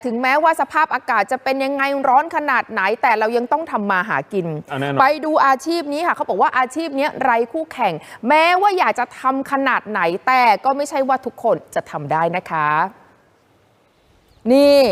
ถึงแม้ว่าสภาพอากาศจะเป็นยังไงร้อนขนาดไหนแต่เรายังต้องทำมาหากินไปดูอาชีพนี้ค่ะเขาบอกว่าอาชีพนี้ไร้คู่แข่งแม้ว่าอยากจะทำขนาดไหนแต่ก็ไม่ใช่ว่าทุกคนจะทำได้นะคะนี่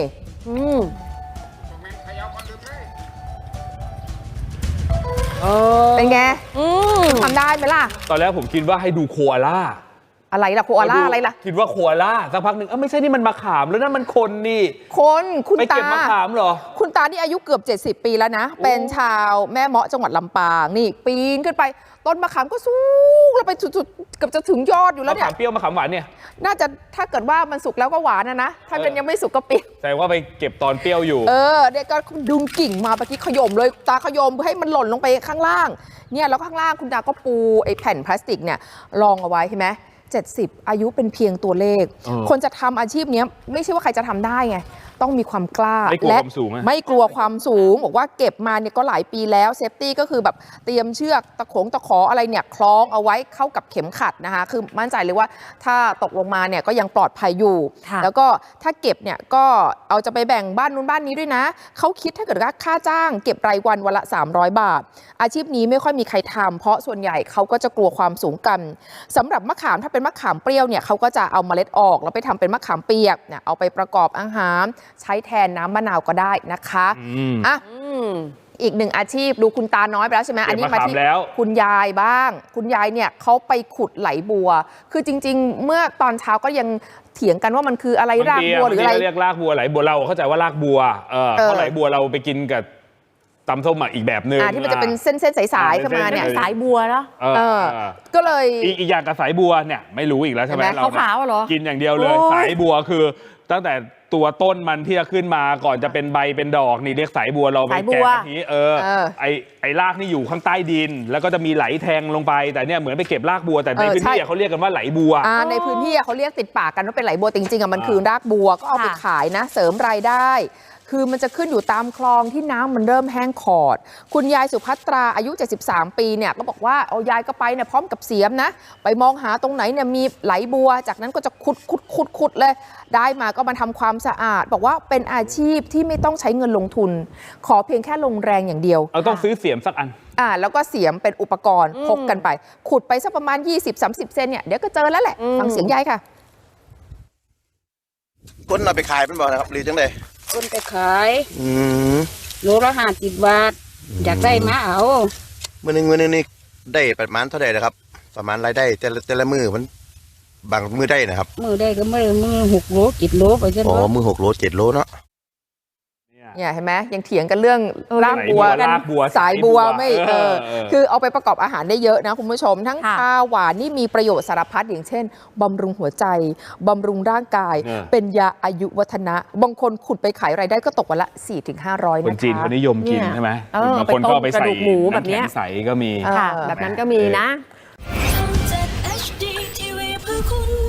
เป็นไงทำได้ไหมล่ะตอนแรกผมคิดว่าให้ดูโคอาล่าอะไรล่ะโคอาล่าอะไรล่ะคิดว่าโคอาล่าสักพักหนึ่งไม่ใช่นี่มันมะขามแล้วนั่นมันคนนี่คนคุณตาไปเก็บมะขามเหรอคุณตาที่อายุเกือบ70 ปีแล้วนะเป็นชาวแม่เมาะจังหวัดลำปางนี่ปีนขึ้นไปต้นมะขามก็สูงแล้วไปสุดๆเกือบจะถึงยอดอยู่แล้วเนี่ยมะขามเปรี้ยวมะขามหวานเนี่ยน่าจะถ้าเกิดว่ามันสุกแล้วก็หวานนะถ้าเป็นยังไม่สุกก็เปรี้ยวแต่ว่าไปเก็บตอนเปรี้ยวอยู่เด็กก็ดึงกิ่งมาเมื่อกี้ขย่มเลยตาขย่มให้มันหล่นลงไปข้างล่างเนี่ยแล้วข้างล่างคุณตาก็ปูไอ้แผ่นพลาสติกเนี่ยรองเอาไว้ใช่ไหม70อายุเป็นเพียงตัวเลขคนจะทำอาชีพนี้ไม่ใช่ว่าใครจะทำได้ไงต้องมีความกล้าและไม่กลัวความสูงบอกว่าเก็บมาเนี่ยก็หลายปีแล้วเซฟตี้ก็คือแบบเตรียมเชือกตะขออะไรเนี่ยคล้องเอาไว้เข้ากับเข็มขัดนะคะคือมั่นใจเลยว่าถ้าตกลงมาเนี่ยก็ยังปลอดภัยอยู่แล้วก็ถ้าเก็บเนี่ยก็เอาจะไปแบ่งบ้านนู้นบ้านนี้ด้วยนะเขาคิดถ้าเกิดว่าค่าจ้างเก็บรายวันวันละ300 บาทอาชีพนี้ไม่ค่อยมีใครทำเพราะส่วนใหญ่เขาก็จะกลัวความสูงกันสำหรับมะขามถ้าเป็นมะขามเปรี้ยวเนี่ยเขาก็จะเอาเมล็ดออกแล้วไปทำเป็นมะขามเปียกเนี่ยเอาไปประกอบอาหารใช้แทนน้ำมะนาวก็ได้นะคะอีกหนึ่งอาชีพดูคุณตาน้อยไปแล้วใช่ไหมอันนี้มาที่คุณยายบ้างคุณยายเนี่ยเขาไปขุดไหลบัวคือจริงๆเมื่อตอนเช้าก็ยังเถียงกันว่ามันคืออะไรรากบัวหรืออะไรเรียกรากบัวไหลบัวเราเข้าใจว่ารากบัวเพราะไหลบัวเราไปกินกับตำส้มอีกแบบนึงที่มันจะเป็นเส้นๆสายๆขึ้นมาเนี่ยสายบัวเนาะก็เลยอีกอย่างกับสายบัวเนี่ยไม่รู้อีกแล้วใช่ไหมเราขาวๆเหรอกินอย่างเดียวเลยสายบัวคือตั้งแต่ตัวต้นมันที่จะขึ้นมาก่อนจะเป็นใบเป็นดอกนี่เรียกสายบัวเราไปแกะกะทิไอ้รากนี่อยู่ข้างใต้ดินแล้วก็จะมีไหลแทงลงไปแต่เนี่ยเหมือนไปเก็บรากบัวแต่ในพื้นที่เขาเรียกกันว่าไหลบัวในพื้นที่เขาเรียกติดปากกันว่าเป็นไหลบัวจริงๆมันคือรากบัวก็เอาไปขายนะเสริมรายได้คือมันจะขึ้นอยู่ตามคลองที่น้ำมันเริ่มแห้งขอดคุณยายสุภัตราอายุ73 ปีเนี่ยก็บอกว่าเอายายก็ไปเนี่ยพร้อมกับเสียมนะไปมองหาตรงไหนเนี่ยมีไหลบัวจากนั้นก็จะขุดเลยได้มาก็มาทำความสะอาดบอกว่าเป็นอาชีพที่ไม่ต้องใช้เงินลงทุนขอเพียงแค่ลงแรงอย่างเดียวต้องซื้อเสียมสักอันแล้วก็เสียมเป็นอุปกรณ์พกกันไปขุดไปสักประมาณ 20-30 เซนเนี่ยเดี๋ยวก็เจอแล้วแหละฟังเสียงยายค่ะคนเอาไปขายเป็นบ่นะครับหรือจังไดคนไปขายโลละ50 บาทอยากได้มาเอามื้อนึงนี่ได้ประมาณเท่าไหร่นะครับประมาณรายได้แต่ละมื้อมันบางมื้อได้นะครับมื้อได้ก็มื้อ6 โล 7 โลไปจังมื้อ6 โล 7 โลเนาะเนี่ยเห็นไหมยังเถียงกันเรื่องรากบัวสายบัวไม่คือเอาไปประกอบอาหารได้เยอะนะคุณผู้ชมทั้งข้าวหวานนี่มีประโยชน์สารพัดอย่างเช่นบำรุงหัวใจบำรุงร่างกายเป็นยาอายุวัฒนะบางคนขุดไปขายรายได้ก็ตกวันละ 400-500 คนจีนเขานิยมกินใช่ไหมบางคนก็ไปใส่หมูแบบนี้ใส่ก็มีแบบนั้นก็มีนะ